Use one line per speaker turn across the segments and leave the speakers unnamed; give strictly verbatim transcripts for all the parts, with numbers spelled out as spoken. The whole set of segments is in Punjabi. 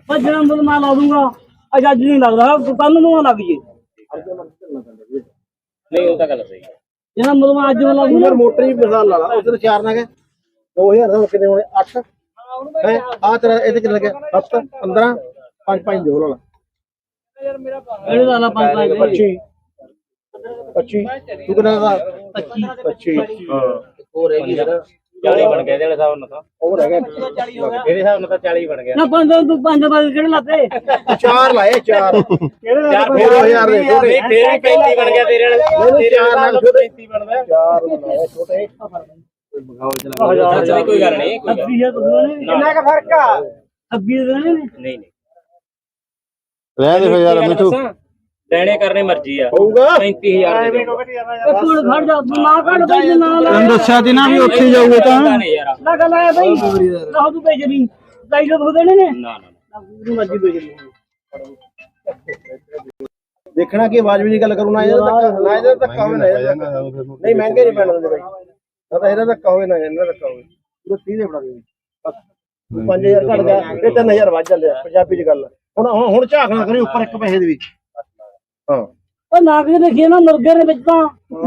ਭੱਜਣਾ ਮੁੱਲ ਮੈਂ ਲਾ ਦੂੰਗਾ ਅੱਜ ਅੱਜ ਨਹੀਂ ਲੱਗਦਾ ਕੱਲ ਨੂੰ ਲੱਗ ਜੇ
ਨਹੀਂ ਉਹ ਤਾਂ ਗੱਲ ਸਹੀ ਹੈ
ਜਿਹੜਾ ਮੁੱਲ ਮੈਂ ਅੱਜ ਲਾ ਦੂੰਗਾ
ਮੋਟਰ ਹੀ ਮਿਸਾਲ ਲਾ ਲਾ ਉਧਰ ਚਾਰ ਨਾ ਗਏ ਦੋ ਹਜ਼ਾਰ ਦਾ ਕਿੰਨੇ ਹੋਣੇ ਅੱਠ ਹੈ ਆ ਤੇਰਾ ਇਹਦੇ ਕਿੰਨੇ ਲੱਗਿਆ ਸੱਤ ਪੰਦਰਾਂ ਪੰਜ ਪੰਜ ਦੋ ਲਾ ਲਾ
ਇਹਦੇ ਲਾ ਲਾ ਪੰਜ ਪੰਜ
ਪੱਚੀ ਪੱਚੀ ਤੂੰ ਕਿੰਨਾ ਦਾ
ਪੱਚੀ
ਪੱਚੀ ਹਾਂ
ਹੋਰ ਹੈਗੀ ਸਰ ਚਾਲੀ ਬਣ ਗਿਆ ਇਹਦੇ ਹਿਸਾਬ ਨਾਲ ਤਾਂ
ਉਹ ਰਹਿ ਗਿਆ
ਇਹਦੇ ਹਿਸਾਬ ਨਾਲ ਤਾਂ ਚਾਲੀ ਬਣ ਗਿਆ
ਨਾ ਪੰਜ ਤੂੰ ਪੰਜ ਬਾਅਦ ਕਿਹੜੇ ਲਾਤੇ
ਚਾਰ ਲਾਏ ਚਾਰ ਕਿਹੜੇ ਦਾ ਦੋ ਹਜ਼ਾਰ ਦੇ ਛੋਟੇ
ਫੇਰ ਵੀ ਪੈਂਤੀ ਬਣ ਗਿਆ ਤੇਰੇ ਵਾਲੇ ਤੇਰੇ ਨਾਲ ਪੈਂਤੀ ਬਣਦਾ
ਚਾਰ ਲਾਏ ਛੋਟੇ
ਚੱਲ ਕੋਈ ਗੱਲ ਨਹੀਂ ਕੋਈ ਗੱਲ
ਛੱਬੀ ਹਜ਼ਾਰ ਤੁਸੀਂ
ਕਿੰਨਾ ਕ ਫਰਕ ਆ
ਛੱਬੀ ਹਜ਼ਾਰ ਨੇ
ਨਹੀਂ ਨਹੀਂ
ਰਹਿ ਦੇ ਫਿਰ ਯਾਰ ਮਿੱਠੂ
ਲੈਣੇ ਕਰਨੇ ਮਰਜ਼ੀ ਆ
ਹੋਊਗਾ
ਪੈਂਤੀ ਹਜ਼ਾਰ ਦੇ ਦਿਓ।
ਇੱਕ ਮਿੰਟ ਖੜ ਜਾ ਤੂੰ ਨਾ ਕੱਢ ਬਈ ਨਾ ਲਾ
ਤੈਨੂੰ ਦੱਸਿਆ ਸੀ ਨਾ ਵੀ ਉੱਥੇ ਜਾਊਗੇ ਤਾਂ
ਨਹੀਂ ਯਾਰ
ਨਾ ਗੱਲ ਆਇਆ ਬਈ ਨਾ ਤੂੰ ਭੇਜ ਨਹੀਂ ਢਾਈ ਸੌ ਹੋ ਦੇਣੇ ਨੇ
ਨਾ ਨਾ
ਤੂੰ ਮਰਜ਼ੀ ਭੇਜ ਲਈ
ਦੇਖਣਾ ਕੀ ਆਵਾਜ਼ ਵੀ ਨਹੀਂ ਗੱਲ ਕਰੂ ਨਾ ਇਹਦਾ ਧੱਕਾ ਨਾ ਇਹਦਾ ਧੱਕਾ ਹੋਵੇ ਨਾ ਇਹਦਾ ਧੱਕਾ। ਨਹੀਂ ਮਹਿੰਗੇ ਨਹੀਂ ਪੈਣ ਦਿੰਦੇ ਬਾਈ ਨਾ ਤਾਂ ਇਹਦਾ ਧੱਕਾ ਹੋਵੇ ਨਾ ਇਹਨਾਂ ਦਾ ਧੱਕਾ ਹੋਵੇ ਉਹ ਤੀਹ ਦੇ ਬਣਾ ਦੇ ਬਸ ਪੰਜ ਹਜ਼ਾਰ ਘੱਟ ਗਿਆ ਇਹ ਤਿੰਨ ਹਜ਼ਾਰ ਵੱਧ ਚੱਲਿਆ ਪੰਜਾਬੀ ਚ ਗੱਲ ਹੁਣ ਹੁਣ ਹੁਣ ਝਾਕ ਨਾ ਕਰੀ ਉੱਪਰ ਇੱਕ ਪੈਸੇ ਦੇ ਵੀ ਹਾਂ
ਉਹ ਨਾਗ ਦੇ ਦੇਖੀਏ ਨਾ ਮੁਰਗੇ ਦੇ ਵਿੱਚ ਤਾਂ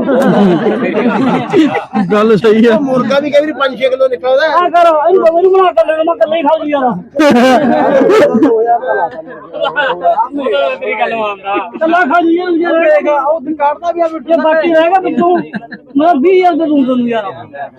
ਗੱਲ ਸਹੀ ਆ
ਮੁਰਗਾ ਵੀ ਕਈ ਵਾਰੀ ਪੰਜ ਛੇ ਕਿਲੋ ਨਿਕਲਦਾ
ਆ ਕਰੋ ਇਹਨੂੰ ਬਵੇ ਨੂੰ ਬਣਾ ਕਰ ਲੈਣਾ ਮੈਂ ਕੱਲੇ ਹੀ ਖਾ ਲਈ ਯਾਰ
ਤੇਰੀ ਗੱਲ ਮੰਨਦਾ
ਕੱਲਾ ਖਾ ਲਈ ਯਾਰ ਉਹ ਦੁਕਾਨ ਦਾ ਵੀ ਆ ਜੇ ਬਾਕੀ ਰਹੇਗਾ ਵਿੱਚੋਂ ਮੈਂ ਵੀਹ ਹਜ਼ਾਰ ਦੇ ਦੂੰ ਤੈਨੂੰ ਯਾਰ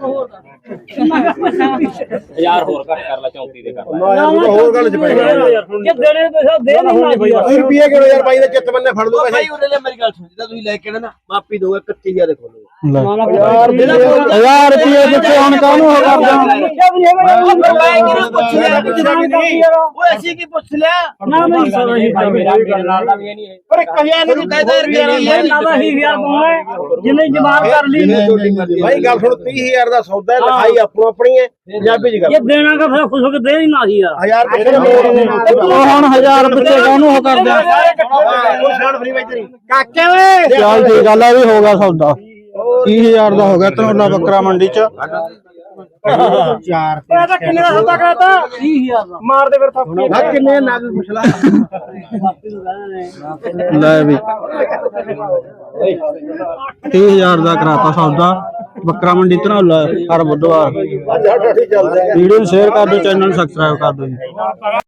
ਹਜ਼ਾਰ ਹੋਰ ਘੱਟ ਕਰ ਲੈ ਚੌਂਤੀ ਦੇ ਕਰ
ਨਾ ਯਾਰ ਉਹ ਹੋਰ ਗੱਲ ਚ ਪੈ ਗਿਆ
ਜੇ ਦੇਣੇ ਪੈਸਾ ਦੇ ਨਹੀਂ ਨਾ
ਵੀਹ ਰੁਪਏ ਕਿਲੋ ਯਾਰ ਬਾਈ ਦਾ ਚਿੱਤ ਬੰਨੇ ਫੜ ਲੂ ਪੈਸੇ
ਉਹਦੇ ਲਈ ਮੇਰੀ ਗੱਲ ਸੁਣ ਜਿੱਦਾਂ ਤੁਸੀਂ ਲੈ ਕੇ ਨਾ ਮਾਪੀ ਦੋਗੇ ਇਕੱਤੀ ਹਜ਼ਾਰ ਦੇ ਖੋਲੋ
ਯਾਰ
ਹਜ਼ਾਰ ਰੁਪਏ ਕਿੱਥੇ ਹੁਣ ਕਾਹਨੂੰ ਹੋ ਕਰਦਾ
ਉਹ ਅਸੀਂ ਕੀ ਪੁੱਛ ਲਿਆ
ਨਾ ਮੈਂ ਸਾਰਾ ਹੀ ਭਾਈ ਮੇਰਾ
ਮੇਰੇ ਨਾਲ ਦਾ ਵੀ ਇਹ ਨਹੀਂ ਹੈ
ਪਰ ਇੱਕ ਹਜ਼ਾਰ ਨੂੰ
ਕਾਇਦਾ ਰੁਪਿਆ
ਯਾਰ ਨਾ ਦਾ ਹੀ ਯਾਰ ਪਾਉਣਾ ਜਿੰਨੇ ਜਮਾਨ ਕਰ ਲਈ
ਭਾਈ ਗੱਲ ਸੁਣ ਤੀਹ ਹਜ਼ਾਰ ਦਾ ਸੌਦਾ ਹੈ ਲਿਖਾਈ ਆਪੋ ਆਪਣੀ ਹੈ ਪੰਜਾਬੀ ਚ
ਜੇ
ਗੱਲ
ਦੇਣਾ ਕਾ ਫਿਰ ਖੁਸ਼ ਹੋ ਕੇ ਦੇ ਹੀ ਨਾ ਸੀ ਯਾਰ
ਹਜ਼ਾਰ ਪਿੱਛੇ ਮੋੜ ਦੇ
ਉਹ ਹੁਣ ਹਜ਼ਾਰ ਪਿੱਛੇ ਕਾਹਨੂੰ ਹੋ ਕਰਦਾ
ਉਹ ਛਾੜ ਫਰੀ ਬਾਈ ਤੇਰੀ
ਕਾਕੇ ਓਏ
ਚੱਲ ਠੀਕ ਗੱਲ ਆ ਵੀ ਹੋ ਗਿਆ ਸੌਦਾ ਤੀਹ ਹਜ਼ਾਰ ਦਾ ਹੋ ਗਿਆ ਧਨੌਲਾ ਬੱਕਰਾ ਮੰਡੀ ਚ
ਚਾਰ
ਇਹ ਤਾਂ ਕਿੰਨੇ ਦਾ ਸੌਦਾ ਕਰਾਤਾ ਤੀਹ ਹਜ਼ਾਰ ਦਾ
ਮਾਰ ਦੇ ਫਿਰ ਥਾਪੀ ਨਾ ਕਿੰਨੇ ਨਗ ਪੁੱਛਲਾ
ਲੈ ਵੀ ਤੀਹ ਹਜ਼ਾਰ ਦਾ ਕਰਾਤਾ ਸੌਦਾ ਬੱਕਰਾ ਮੰਡੀ ਧਨੌਲਾ ਹਰ ਬੁੱਧਵਾਰ
ਅੱਜ ਹੱਟ ਹੱਟੀ ਚੱਲਦੇ
ਵੀਡੀਓ ਨੂੰ ਸ਼ੇਅਰ ਕਰ ਦਿਓ ਚੈਨਲ ਨੂੰ ਸਬਸਕ੍ਰਾਈਬ ਕਰ ਦਿਓ ਜੀ